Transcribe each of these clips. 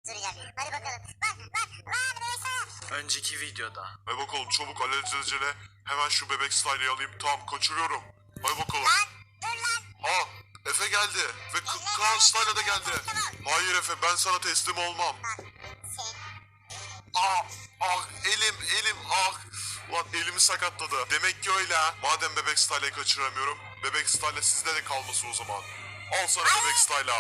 tutturacağım. Hadi bakalım. Lan Veysel. Önceki videoda. Hadi bakalım çabuk alelacele hemen şu bebek style'ı alayım. Tamam kaçırıyorum. Hadi bakalım. Lan dur lan. Ha Efe geldi ve Kaan Style da geldi. Hayır Efe ben sana teslim olmam. Sen. Ah elim Ulan elimi sakatladı. Demek ki öyle ha. Madem bebek style'ı kaçıramıyorum. Bebek style sizde de kalması o zaman. Al sana bebek style'ı.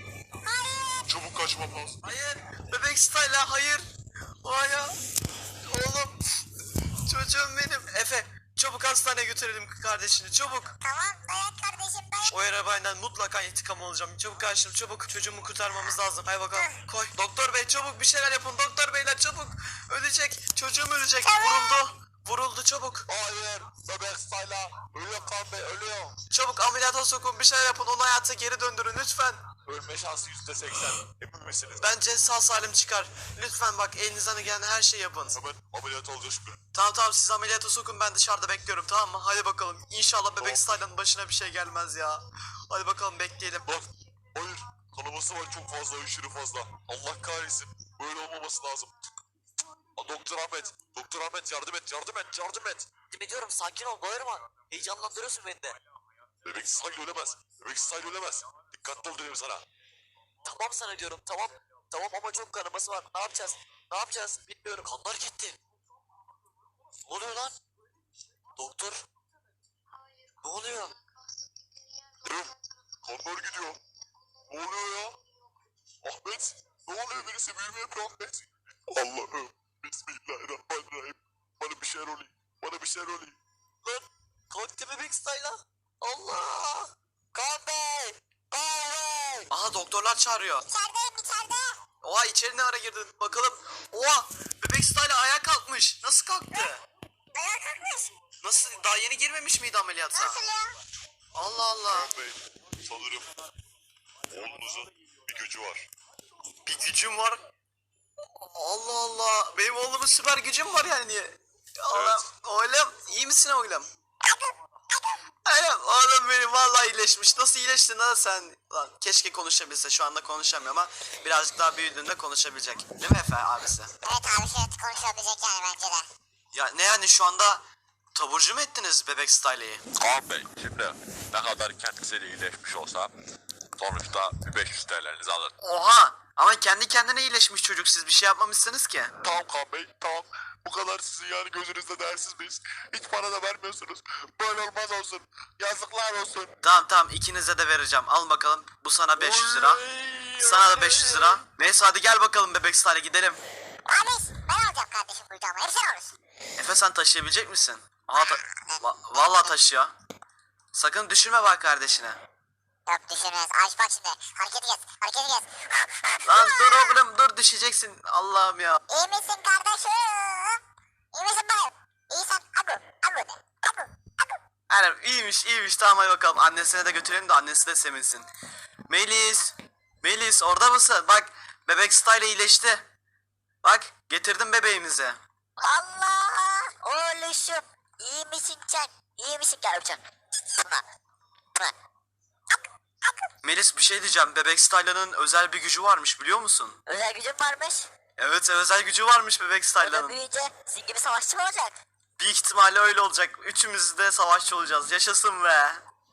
Çabuk kaçma pas. Hayır. Bebek Style'a hayır. Hayır. Oğlum. Çocuğum benim. Efe çabuk hastaneye götürelim kardeşini çabuk. Tamam dayan kardeşim dayan. O arabayla mutlaka intikam alacağım. Çabuk kardeşim çabuk. Çocuğumu kurtarmamız lazım. Haydi bakalım. Koy. Doktor bey çabuk bir şeyler yapın. Doktor beyler çabuk. Ölecek. Çocuğum ölecek. Vuruldu çabuk. Hayır bebek style'a. Ölüyor Kaan Bey ölüyor. Çabuk ameliyata sokun bir şeyler yapın. Onu hayata geri döndürün lütfen. Ölme şansı %80. Emin misiniz? Bence sağ salim çıkar. Lütfen bak elinizden gelen her şeyi yapın. Hemen ameliyat olacağız şimdi. Tamam siz ameliyata sokun ben dışarıda bekliyorum tamam mı? Hadi bakalım. İnşallah Tamam. bebek Style'ın başına bir şey gelmez ya. Hadi bakalım bekleyelim. Bak hayır kanaması var çok fazla aşırı fazla. Allah kahretsin böyle olmaması lazım. Doktor Ahmet yardım et. Yardım ediyorum sakin ol bağırma. Heyecanlandırıyorsun beni de. Bebek Style ölemez. Dikkatli ol dedim sana. Tamam sana diyorum tamam. Tamam ama çok kanaması var. Ne yapacağız? Bilmiyorum. Kanlar gitti. Ne oluyor lan? Doktor. Ne oluyor? Durun kanlar gidiyor. Ne oluyor ya? Ahmet ne oluyor birisi büyüme yapıyor Ahmet. Allah'ım Bismillahirrahmanirrahim. Bana bir şeyler olayım. Lan kalktı bebek style'a. Allah. Kaan Bey. Aha doktorlar çağırıyor. İçeride. Oha içeri ne ara girdin bakalım. Oha bebek Style ayağa kalkmış. Nasıl kalktı? Dayan kalkmış. Nasıl daha yeni girmemiş miydi ameliyata? Nasıl ya? Allah Allah. Kaan Bey sanırım oğlunuzun bir gücü var. Bir gücüm var. Allah Allah. Benim oğlumun süper gücüm var yani. Allah. Oğlum iyi misin oğlum? Oğlum benim vallahi iyileşmiş. Nasıl iyileştin lan sen? Lan keşke konuşabilse. Şu anda konuşamıyor ama birazcık daha büyüdüğünde konuşabilecek. Değil mi Efe abisi? Evet abi şey konuşabilecek yani bence de. Ya ne yani şu anda taburcu mu ettiniz bebek Style'yi? Kaan Bey şimdi ne kadar kendisiyle iyileşmiş olsa sonuçta bir 500 TL'nizi alır. Oha! Ama kendi kendine iyileşmiş çocuk siz bir şey yapmamışsınız ki. Tamam Kaan Bey tamam. Bu kadar sizin yani gözünüzde değersiz miyiz? Hiç para da vermiyorsunuz. Böyle olmaz olsun. Yazıklar olsun. Tamam ikinize de vereceğim. Al bakalım. Bu sana 500 lira. Sana da 500 lira. Neyse hadi gel bakalım bebek Style'e gidelim. Abi ben alacağım kardeşim kucağıma. Hep sen alırsın. Efe sen taşıyabilecek misin? Aha vallahi taşıyor. Sakın düşürme bak kardeşine. Yok düşürmez. Aç bak şimdi. Hareketi kes. Lan dur oğlum dur düşeceksin. Allah'ım ya. İyi misin kardeşim? İyi misin bayım? İyisen agu de. Aynen iyiymiş tamam hadi bakalım. Annesine de götürelim de annesi de sevinsin. Melis orada mısın? Bak bebek Style iyileşti. Bak getirdim bebeğimizi. Allah! Oğluşum. İyi misin sen? İyi misin kardeşim? Melis bir şey diyeceğim. Bebek Style'ın özel bir gücü varmış biliyor musun? Özel gücüm varmış. Evet özel gücü varmış bebek O da Style'ın. büyüyünce sizin gibi savaşçı mı olacak? Büyük ihtimalle öyle olacak. Üçümüz de savaşçı olacağız. Yaşasın be.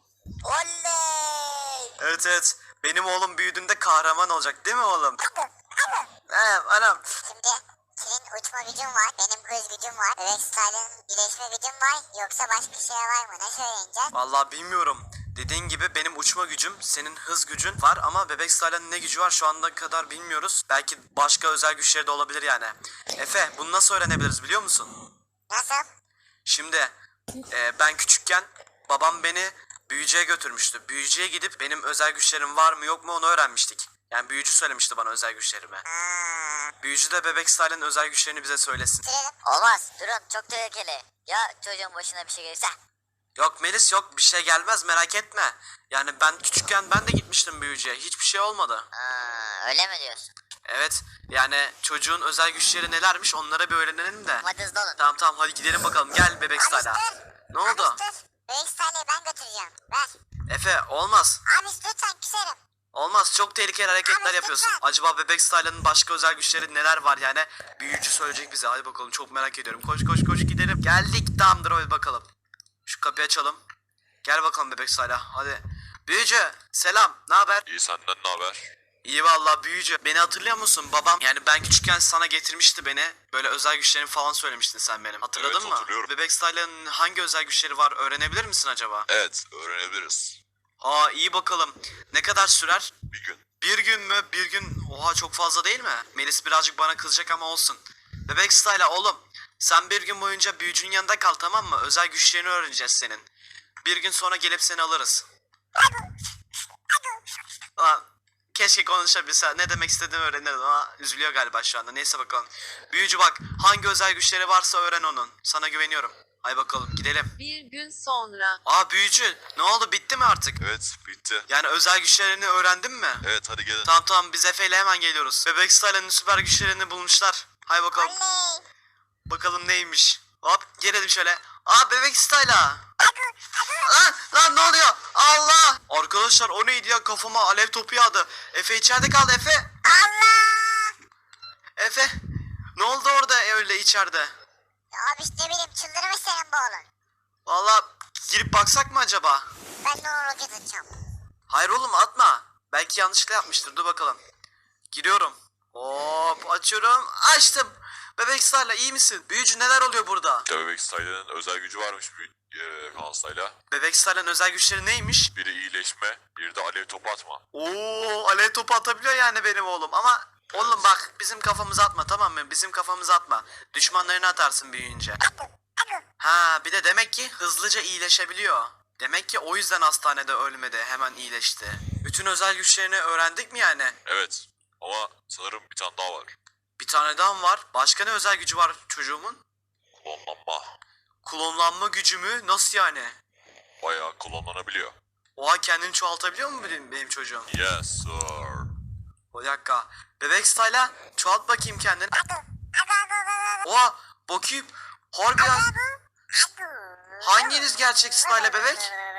Oley! Evet. Benim oğlum büyüdüğünde kahraman olacak değil mi oğlum? Anam. Şimdi senin uçma gücün var, benim hız gücüm var. Bebek Style'ın iyileşme gücüm var. Yoksa başka şey var mı? Ne söyleyeceğiz? Vallahi bilmiyorum. Dediğin gibi benim uçma gücüm, senin hız gücün var ama bebek Style'ın ne gücü var şu anda kadar bilmiyoruz. Belki başka özel güçleri de olabilir yani. Efe bunu nasıl öğrenebiliriz biliyor musun? Nasıl? Şimdi ben küçükken babam beni büyücüye götürmüştü. Büyücüye gidip benim özel güçlerim var mı yok mu onu öğrenmiştik. Yani büyücü söylemişti bana özel güçlerimi. Büyücü de bebek Style'ın özel güçlerini bize söylesin. Olmaz. Durun. Çok tehlikeli. Ya çocuğun başına bir şey gelirse? Yok Melis yok bir şey gelmez merak etme. Yani ben küçükken ben de gitmiştim büyücüye. Hiçbir şey olmadı. Öyle mi diyorsun? Evet yani çocuğun özel güçleri nelermiş onlara bir öğrenelim de. Hadi hızlı olun. Tamam hadi gidelim bakalım gel bebek Style'a. Ne oldu? Bebek Style'ı ben götüreceğim. Ver. Efe olmaz. Abi lütfen küserim. Olmaz, çok tehlikeli hareketler yapıyorsun. Acaba Bebek Style'ın başka özel güçleri neler var yani? Büyücü söyleyecek bize. Hadi bakalım, çok merak ediyorum. Koş koş koş gidelim. Geldik, tamamdır, hadi bakalım. Şu kapıyı açalım. Gel bakalım Bebek Style'a, hadi. Büyücü selam, ne haber? İyi, senden ne haber? İyi vallahi büyücü. Beni hatırlıyor musun? Babam yani ben küçükken sana getirmişti beni. Böyle özel güçlerini falan söylemiştin sen benim. Hatırladın Evet, mı? hatırlıyorum. Bebek Style'ın hangi özel güçleri var öğrenebilir misin acaba? Evet, öğrenebiliriz. Aa, iyi bakalım. Ne kadar sürer? Bir gün. Bir gün mü? Bir gün. Oha, çok fazla değil mi? Melis birazcık bana kızacak ama olsun. Bebek Style'a oğlum. Sen bir gün boyunca büyücünün yanında kal, tamam mı? Özel güçlerini öğreneceğiz senin. Bir gün sonra gelip seni alırız. Lan keşke konuşabilse. Ne demek istediğimi öğrenirdim ama üzülüyor galiba şu anda. Neyse bakalım. Büyücü bak, hangi özel güçleri varsa öğren onun. Sana güveniyorum. Hay bakalım gidelim. Bir gün sonra. Aa büyücü, ne oldu, bitti mi artık? Evet, bitti. Yani özel güçlerini öğrendin mi? Evet, hadi gelin. Tamam tamam, biz Efe ile hemen geliyoruz. Bebek Style'ın süper güçlerini bulmuşlar. Hay bakalım. Oley. Bakalım neymiş. Hop gelelim şöyle. Aa Bebek Style'a. Lan ne oluyor? Allah! Arkadaşlar o neydi ya, kafama alev topu yağdı. Efe içeride kaldı, Efe. Allah. Efe. Ne oldu orada öyle içeride? Ya abi işte ne bileyim, çıldırmış senin bu oğlun. Valla girip baksak mı acaba? Ben de onu roket atacağım. Hayır oğlum, atma. Belki yanlışlıkla yapmıştır, dur bakalım. Giriyorum. Hop açıyorum. Açtım. Bebek Style'a iyi misin? Büyücü neler oluyor burada? Bebek Style'ın özel gücü varmış Kaan Style'a. Bebek Style'ın özel güçleri neymiş? Biri iyileşme, biri de alev topu atma. Oo, alev topu atabiliyor yani benim oğlum ama oğlum bak, bizim kafamıza atma, tamam mı? Bizim kafamıza atma. Düşmanlarına atarsın büyüyünce. Ha bir de demek ki hızlıca iyileşebiliyor. Demek ki o yüzden hastanede ölmedi, hemen iyileşti. Bütün özel güçlerini öğrendik mi yani? Evet, ama sanırım bir tane daha var. Bir tane daha mı var? Başka ne özel gücü var çocuğumun? Klonlanma. Klonlanma gücü mü? Nasıl yani? Bayağı klonlanabiliyor. Oha, kendini çoğaltabiliyor mu benim çocuğum? Yes sir. Bir dakika. Bebek Style'a çoğalt bakayım kendini. Oha bakayım. Harbiden. Hanginiz gerçek Style'a bebek?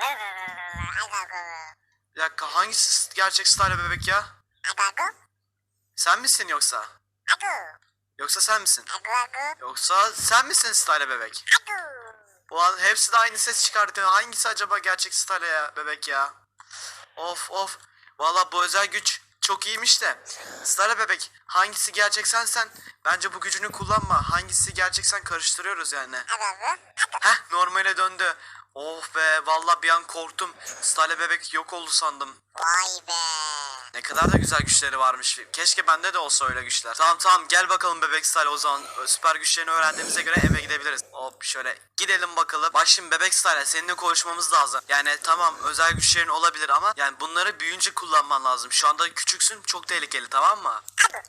Bir dakika, hangisi gerçek Style'a bebek ya? Sen misin yoksa? Yoksa sen misin? Yoksa sen misin Style'a bebek? Ulan hepsi de aynı ses çıkartıyor. Hangisi acaba gerçek Style'a ya bebek ya? Of of. Valla bu özel güç çok iyiymiş de. Style'a bebek, hangisi gerçek sen? Bence bu gücünü kullanma. Hangisi gerçek sen karıştırıyoruz yani. Heh, normale döndü. Of be, valla bir an korktum. Style'a bebek yok oldu sandım. Vay be. Ne kadar da güzel güçleri varmış. Keşke bende de olsa öyle güçler. Tamam tamam, gel bakalım Bebek Style, o zaman süper güçlerini öğrendiğimize göre eve gidebiliriz. Hop şöyle gidelim bakalım. Bak şimdi Bebek Style, seninle konuşmamız lazım. Yani tamam, özel güçlerin olabilir ama yani bunları büyüyünce kullanman lazım. Şu anda küçüksün, çok tehlikeli, tamam mı?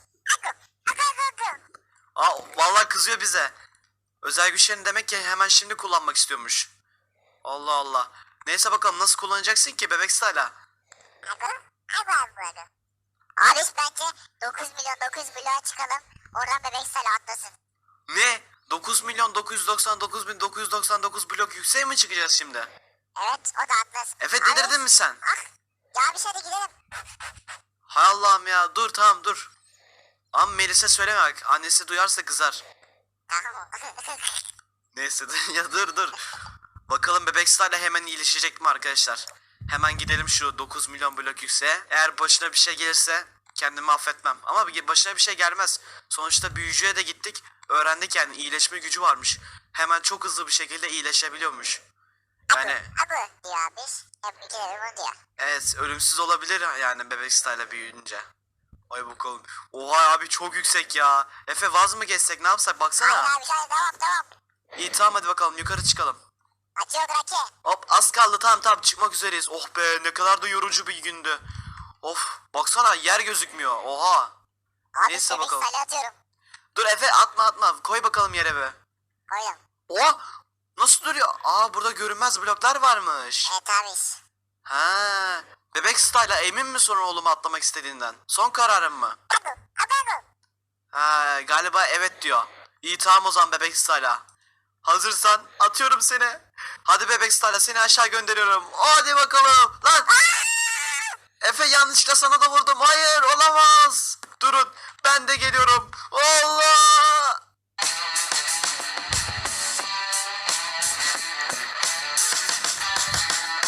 Aa vallahi kızıyor bize. Özel güçlerini demek ki hemen şimdi kullanmak istiyormuş. Allah Allah. Neyse bakalım, nasıl kullanacaksın ki Bebek Style'a? Abi bence 9 milyon 9 bloğa çıkalım. Oradan bebek sale atlasın. Ne? 9 milyon 999 bin 999 blok yükseğe mi çıkacağız şimdi? Evet, o da atlasın. Efe Abi, delirdin mi sen? Ah, ya bir şey de gidelim. Hay Allah'ım ya, dur tamam dur. Ama Melis'e söyleme bak, annesi duyarsa kızar. Tamam. Neyse ya dur. Bakalım Bebek Style hemen iyileşecek mi arkadaşlar? Hemen gidelim şu 9 milyon blok yükseğe. Eğer başına bir şey gelirse kendimi affetmem. Ama başına bir şey gelmez. Sonuçta büyücüye de gittik. Öğrendik yani iyileşme gücü varmış. Hemen çok hızlı bir şekilde iyileşebiliyormuş. Yani Abi diyor abi. Hep iki de bunu diyor. evet, ölümsüz olabilir yani Bebek Style büyüyünce. Ay bakalım. Oha abi, çok yüksek ya. Efe vaz mı geçsek, ne yapsak, baksana. Hayır abi, tamam. İyi tamam, hadi bakalım yukarı çıkalım. Açıyor Drake. Hop az kaldı, tamam çıkmak üzereyiz. Oh be, ne kadar da yorucu bir gündü. Of baksana, yer gözükmüyor, oha. Abi Neyse bebek bakalım. sale atıyorum. Dur Efe, atma, koy bakalım yere be. Koydum. Oha, nasıl duruyor? Aa, burada görünmez bloklar varmış. Evet abi. Ha, Bebek Style'a emin mi sonra oğlumu atlamak istediğinden? Son kararın mı? Abi. Ha, galiba evet diyor. İyi tamam o zaman Bebek Style'a. Hazırsan atıyorum seni. Hadi Bebek Style'a, seni aşağı gönderiyorum. Hadi bakalım. Lan. Efe yanlışlıkla sana da vurdum. Hayır olamaz. Durun ben de geliyorum. Allah.